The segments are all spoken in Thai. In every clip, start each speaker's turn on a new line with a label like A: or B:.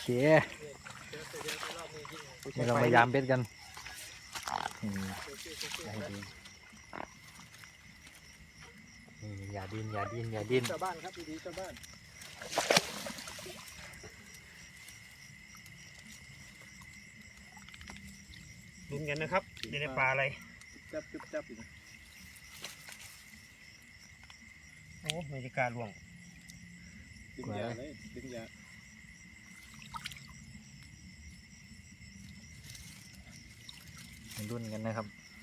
A: นี่เราพยายามเบ็ดกันอย่าดิ้นอย่าดิ้นอย่าดิ้น
B: ชาวบ้านครับดีๆชาวบ้าน
C: ลุ้นกันนะครับในปลาอะไร
B: จับจุ๊บจับอยู่
C: โอ้ไม่ได้การล่วง
B: ดึงยาเลยดึงยา
A: รุ่นกันนะครับ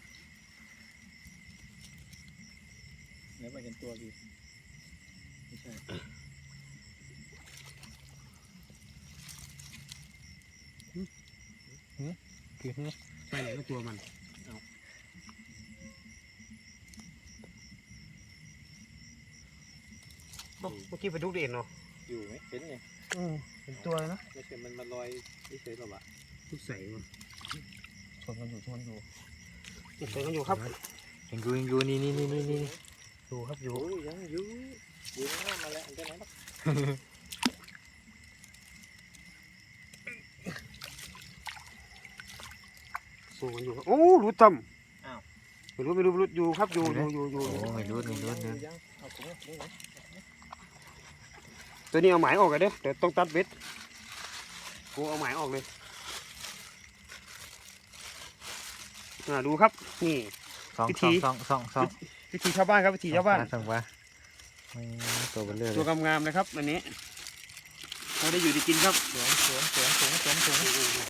B: แล้วมาเห็นตัวพี่ไม่ใช่
A: คือ
C: ไปไหนก็ตัวมันเมื่อกี้ไปดูเด่นเนาะ
B: อยู่ไหมเห็นไง
C: เป็นตัวเลยนะ
B: ไม่ใช่มันมาลอยเฉยๆหรอวะ
C: ทุกใส่มา
B: ชนกันอยู่ชนอยู่
C: ใส่กันอยู่ครับ
A: ยังอยู่นี่
C: อยู่ครับอยู่
B: โอ้ยยังอยู่ข้างหน้ามาแล้วอันนั้นนะ
C: สู้กันอยู่ครับโอ้รู้จำไม่รู้อยู่ครับอยู่
A: โอ้ไม่รู้
B: เอาถุงนี่นะ
C: ตัวนี้เอาหมายออกกันเด้อเดี๋ยวต้องตัดเบ็ดกูเอาหมายออกเลยดูครับนี่
A: สอง
C: วิธีชาวบ้านครับวิธีชาวบ้าน
A: ส่งว่าตัวเบลเลอร์
C: ตัวงามๆเลยครับอันนี้เราได้อยู่ได้กินครับ
A: สวน